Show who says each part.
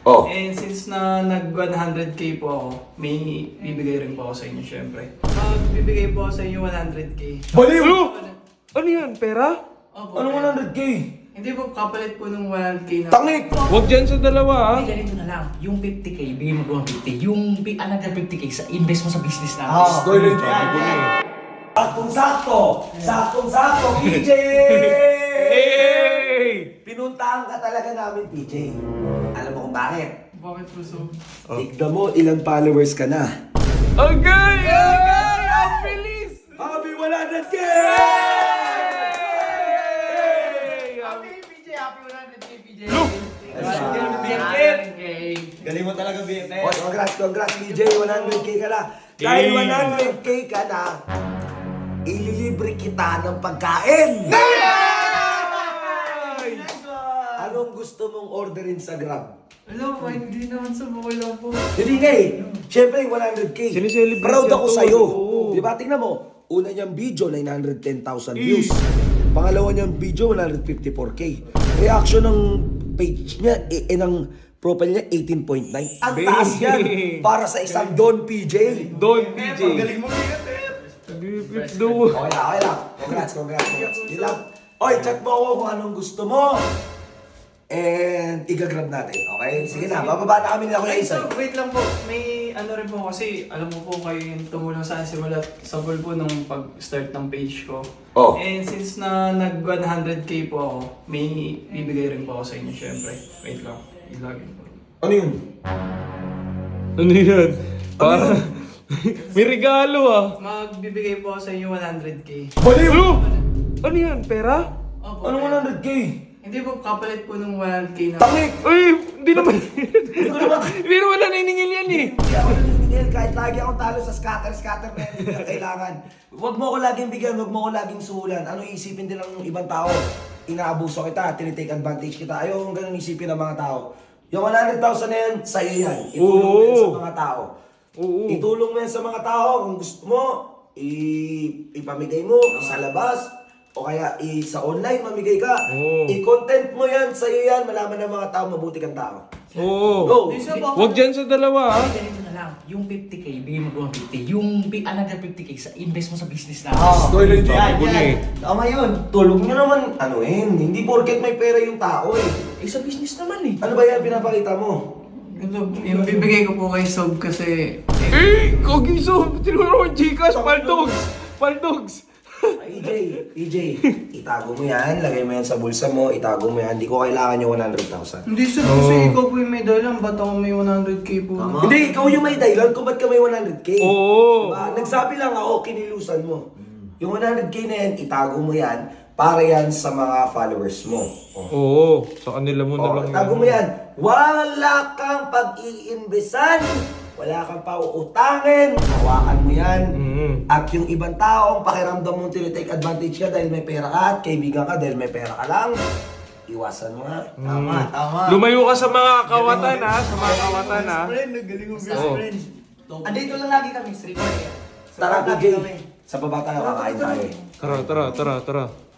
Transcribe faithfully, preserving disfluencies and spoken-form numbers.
Speaker 1: Oh.
Speaker 2: And since na nag one hundred K po ako, may bibigay rin po ako sa inyo syempre. Magbibigay po ako sa inyo one hundred K.
Speaker 1: Baliw!
Speaker 3: Ano? Ano yan? Pera?
Speaker 2: Opo.
Speaker 1: Anong one hundred K?
Speaker 2: Hindi po, kapalit po ng one hundred K na.
Speaker 1: Tangik!
Speaker 3: Huwag dyan sa dalawa ha.
Speaker 4: Hindi, ganito na lang. Yung fifty K, bigay mo ko ng fifty. Yung bi- another fifty K, sa invest mo sa business natin.
Speaker 1: Oh, story lang
Speaker 3: Sabi ko na eh.
Speaker 5: Saktong-sakto! Saktong-sakto, P J!
Speaker 3: Hey!
Speaker 5: Pinuntahan ka talaga namin, P J. Alam mo kung bakit?
Speaker 2: Bakit po so?
Speaker 5: Tignan mo, ilang followers ka na.
Speaker 3: Agay! Agay! Ang bilis!
Speaker 5: Happy one hundred K!
Speaker 4: Happy P J, happy one hundred K, P J.
Speaker 3: Look!
Speaker 1: Galing mo talaga, B F F.
Speaker 5: Oh, congrats, congrats, P J. one hundred K ka na. Dahil one hundred K ka na, ililibre kita ng pagkain. Anong gusto mong orderin sa Grab?
Speaker 2: Alam po, hindi naman sa buko lang po.
Speaker 5: Hindi nga eh. Siyempre, one hundred K.
Speaker 3: Sineselebrate
Speaker 5: Proud
Speaker 3: niya
Speaker 5: ako
Speaker 3: to.
Speaker 5: sa'yo.
Speaker 3: Oo.
Speaker 5: Di ba? Tingnan mo. Una niyang video, nine hundred ten thousand views. Pangalawa niyang video, one hundred fifty-four K. Reaction ng page niya, eh, eh ng profile niya, eighteen point nine. Ang taas yan para sa isang Don P J.
Speaker 3: Don P J.
Speaker 1: Galing mo, B F F.
Speaker 3: Bipip do.
Speaker 5: Okay lang, okay lang. Congrats, congrats, congrats. Yun lang. Oy, chat mo ako kung anong gusto mo. And igagrab natin, okay? Sige na, bababa na kami nila Kuya
Speaker 2: Ay, so,
Speaker 5: Isay.
Speaker 2: wait lang po. May ano rin po kasi, alam mo po kayo yung tumulong sa akin simula sa goal po nung pag-start ng page ko.
Speaker 1: Oh.
Speaker 2: And since na nag one hundred K po ako, may bibigay rin po ako sa inyo syempre. Wait lang, ilagin po.
Speaker 1: Ano yun?
Speaker 3: Ano yan? Para... May regalo ah.
Speaker 2: Magbibigay po ako sa inyo one hundred K.
Speaker 1: Baliw!
Speaker 3: Ano? Ano yan? Pera?
Speaker 2: Opo.
Speaker 1: Anong one hundred K?
Speaker 2: Hindi po, kapalit po ng one hundred K na.
Speaker 5: Tangik!
Speaker 3: Uy! Hindi naman.
Speaker 5: Hindi ko naman
Speaker 3: Hindi naman na naniningil yan eh.
Speaker 5: Hindi ako naniningil kahit lagi akong talo sa scatter-scatter na hindi na kailangan. Huwag mo ko laging bigyan, huwag mo ko laging suhulan. Ano isipin din ng ibang tao? Inaabuso kita, tinitake advantage kita. Ayaw kong ganun isipin ng mga tao. Yung one hundred thousand na yan, sa'yo yan. Itulong mo yan sa mga tao.
Speaker 3: Oo.
Speaker 5: Itulong mo yan sa mga tao. Kung gusto mo, i- ipamigay mo, sa labas, o kaya i- sa online, mamigay ka.
Speaker 3: Oo.
Speaker 5: I-content mo yan, sa'yo yan, malaman ng mga tao, mabuti kang tao.
Speaker 3: Oo.
Speaker 5: Go!
Speaker 3: Huwag dyan sa dalawa ha.
Speaker 4: Hindi, ganito na lang. Yung fifty K, bigay mo ko ng fifty. Yung bi- another fifty K, sa invest mo sa business natin.
Speaker 5: Story lang
Speaker 3: Sabi ko na eh.
Speaker 5: Tama yun. Tulog nyo naman, ano yun, hindi porket may pera yung tao eh.
Speaker 4: Eh, sa business naman eh.
Speaker 5: Ano ba yan pinapakita mo?
Speaker 2: Ito, yung bibigay ko po kay Sob kasi
Speaker 3: Eh! Kagiso! Tinuro ko Gcash! Paldogs! Paldogs!
Speaker 5: E J, E J, itago mo yan, lagay mo yan sa bulsa mo, itago mo yan, hindi ko kailangan yung one hundred thousand.
Speaker 2: hindi sir, kasi ikaw po yung may dahilan, ba't ako may one hundred K po? na-
Speaker 5: Hindi, ikaw yung may dahilan kung ba't ka may one hundred K.
Speaker 3: Oo.
Speaker 5: Diba? Nagsabi lang ako, kinilusan mo. Yung one hundred K na yan, itago mo yan, para yan sa mga followers mo. Oh.
Speaker 3: Oo. Sa kanila mo na
Speaker 5: Oh,
Speaker 3: lang
Speaker 5: itago mo yan. Wala kang pag-iinbesan. Wala kang pauutangin. Hawakan mo yan.
Speaker 3: Mm.
Speaker 5: At yung ibang taong pakiramdam mong tinitake advantage ka dahil may pera ka at kaibigan ka dahil may pera ka lang, iwasan mo nga.
Speaker 4: Tama, tama.
Speaker 3: Lumayo ka sa mga kawatan ha. Sa mga kawatan ha.
Speaker 1: Galing mo, best
Speaker 3: Oo.
Speaker 1: friend.
Speaker 4: Andito lang lagi kami, street boy.
Speaker 5: Tara, P J. Sa baba tayo, kakain tayo.
Speaker 3: Tara, tara, tara, tara.